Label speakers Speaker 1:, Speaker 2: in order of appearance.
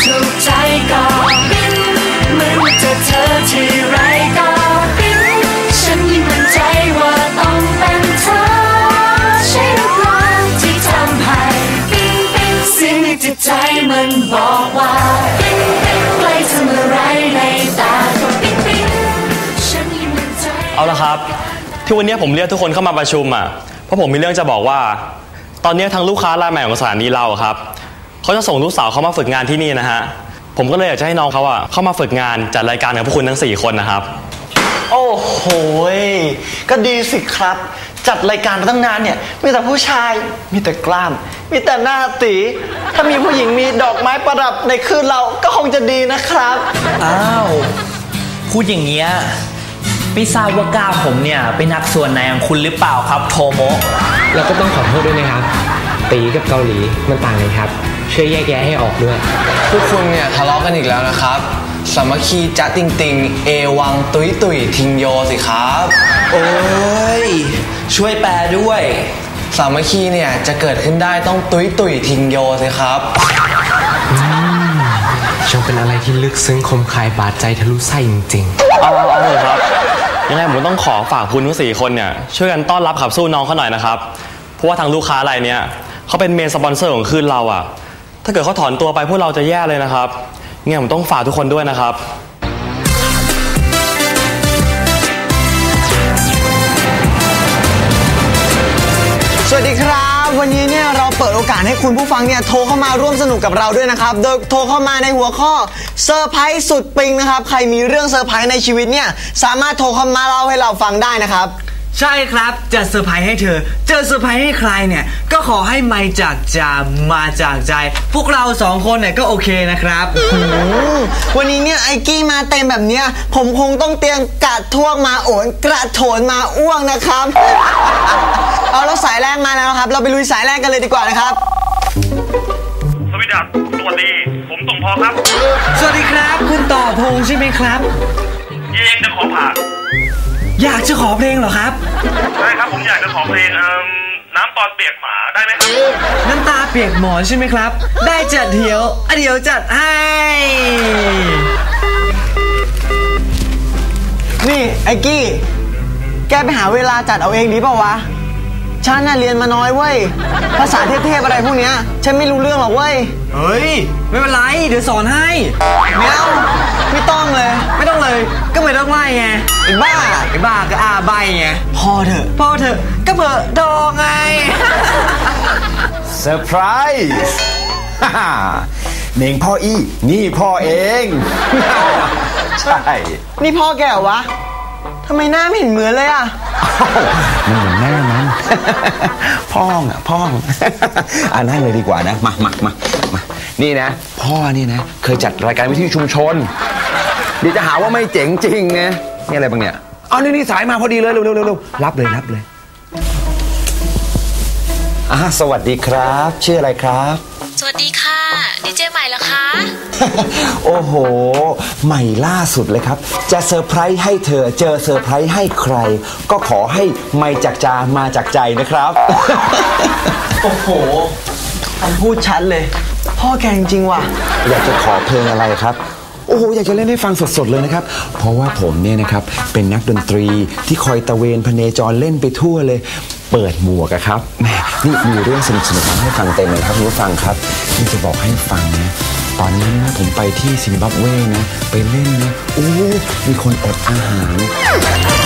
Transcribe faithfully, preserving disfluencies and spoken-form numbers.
Speaker 1: ถูกใจก็ปิ๊งเหมือนว่าเจอเธอที่ไรก็ปิ๊งฉันยิ่งมั่นใจว่าต้องเป็นเธอใช่หรือเปล่าที่ทำให้ปิ๊งปิ๊งเสียงในจิตใจมันบอกว่าปิ๊งปิ๊งใกล้เธอเมื่อไรในตาก็ปิ๊งปิ๊งฉันยิ่งมั่นใจ
Speaker 2: เอาละครับที่วันนี้ผมเรียกทุกคนเข้ามาประชุมอ่ะเพราะผมมีเรื่องจะบอกว่าตอนนี้ทางลูกค้ารายใหม่ของสถานีเราครับเขาจะส่งลูกสาวเขามาฝึกงานที่นี่นะฮะผมก็เลยอยากจะให้น้องเขาอ่ะเข้ามาฝึกงานจัดรายการกับพวกคุณทั้งสี่คนนะครับ
Speaker 3: โอ้โหก็ดีสิครับจัดรายการมาตั้งนานเนี่ยมีแต่ผู้ชายมีแต่กล้ามมีแต่หน้าตีถ้ามีผู้หญิงมีดอกไม้ประดับในคืนเราก็คงจะดีนะครับ
Speaker 4: อ้าวพูดอย่างเงี้ยไม่ทราบว่ากล้ามผมเนี่ยเป็นนักส่วนไหนของคุณหรือเปล่าครับโทโมะ
Speaker 5: แล้วก็ต้องขอโทษด้วยนะครับตีกับเกาหลีมันต่างกันครับช่วยแยกแยะให้ออกด้วย
Speaker 6: พวกคุณเนี่ยทะเลาะกันอีกแล้วนะครับสามัคคีจ๊ะติงติงเอวังตุยตุยทิงโยสิครับ
Speaker 4: โอ้ยช่วยแปลด้วย
Speaker 6: สามัคคีเนี่ยจะเกิดขึ้นได้ต้องตุยตุยทิงโยสิครับ
Speaker 5: ช่างเป็นอะไรที่ลึกซึ้งคมคายบาดใจทะลุไส้จริง
Speaker 2: ๆเอาเอาเลยครับยังไงผมต้องขอฝากคุณทั้งสี่คนเนี่ยช่วยกันต้อนรับขับสู้น้องเขาหน่อยนะครับเพราะว่าทางลูกค้ารายเนี้ยเขาเป็นเมนสปอนเซอร์ของคืนเราอ่ะถ้าเกิดเขาถอนตัวไปพวกเราจะแย่เลยนะครับยังไงผมต้องฝากทุกคนด้วยนะครับ
Speaker 3: สวัสดีครับวันนี้เนี่ยเราเปิดโอกาสให้คุณผู้ฟังเนี่ยโทรเข้ามาร่วมสนุกกับเราด้วยนะครับโดยโทรเข้ามาในหัวข้อเซอร์ไพรส์สุดปิงนะครับใครมีเรื่องเซอร์ไพรส์ในชีวิตเนี่ยสามารถโทรเข้ามาเล่าให้เราฟังได้นะครับ
Speaker 4: ใช่ครับจะเซอร์ไพรส์ให้เธอเจอเซอร์ไพรส์ให้ใครเนี่ยก็ขอให้มาจากใจมาจากใจพวกเราสองคนเนี่ยก็โอเคนะครับ
Speaker 3: วันนี้เนี่ยไอกี้มาเต็มแบบเนี้ยผมคงต้องเตรียมกระท่วงมาโอนกระโถนมาอ้วงนะครับเอาแล้วสายแรกมาแล้วครับเราไปลุยสายแรกกันเลยดีกว่านะครับ
Speaker 7: สวัสดีครับสวัสดีผมส่งพอครับ
Speaker 4: สวัสดีครับคุณต่อพงษ์ใช่ไหมครับ
Speaker 7: เองจะขอผ่าน
Speaker 4: อยากจะขอเพลงเหรอครับ
Speaker 7: ใช่ครับผมอยากจะขอเพลงน้ำตอนเปียกหมาได้ไหมครับ
Speaker 4: น้ำตาเปียกหมอนใช่ไหมครับได้จัดเดี๋ยวเดี๋ยวจัดให้
Speaker 3: นี่ไอ้กี้แกไปหาเวลาจัดเอาเองดีเปล่าวะฉันน่ะเรียนมาน้อยเว้ยภาษาเทพๆอะไรพวกเนี้ยฉันไม่รู้เรื่องหรอกเว้ย
Speaker 4: เฮ้ยไม่เป็นไรเดี๋ยวสอนให้
Speaker 3: ไม่เอาไม่ต้องเลย
Speaker 4: ไม่ต้องเลยก็ไม่ต้องไล่ไง
Speaker 3: ไอ้บ้า
Speaker 4: ไอ้บ้าก็อาใบไง
Speaker 3: พอเถอะ
Speaker 4: พอเถอะก็เผลอดองไง
Speaker 8: เซอร์ไพรส์เน่งพ่ออี้นี่พ่อเองใช่
Speaker 3: นี่พ่อแกเหรอวะทำไมหน้าไม่เห็นเหมือนเลยอ่ะ
Speaker 8: มันเหมือนหน้ามันพ่องอ่ะพ่องอ่านั่งเลยดีกว่านะมามามามานี่นะพ่อนี่นะเคยจัดรายการวิทยุชุมชนเดี๋ยวจะหาว่าไม่เจ๋งจริงไงนี่อะไรบ้างเนี่ยเอานี่นี่สายมาพอดีเลยเร็วเร็วเร็วรับเลยรับเลยอ่าสวัสดีครับชื่ออะไรครับ
Speaker 9: สวัสดีค่ะดีเจใหม่เหรอคะ
Speaker 8: โอ้โหใหม่ล่าสุดเลยครับจะเซอร์ไพรส์ให้เธอเจอเซอร์ไพรส์ให้ใครก็ขอให้ไม่จากจามาจากใจนะครับ
Speaker 3: โอ้โหคำพูดชัดเลยพ่อแกจริงว่ะ
Speaker 8: อยากจะขอเพลงอะไรครับโอ้โหอยากจะเล่นให้ฟังสดๆเลยนะครับเพราะว่าผมเนี่ยนะครับเป็นนักดนตรีที่คอยตะเวนพเนจรเล่นไปทั่วเลยเปิดหมวกครับแม่นี่มีเรื่องสนุกๆมาให้ฟังเต็มเลยครับคุณผู้ฟังครับนี่จะบอกให้ฟังนะตอนนี้นะผมไปที่ซิมบับเวนะไปเล่นนะโอ้มีคนอดอาหาร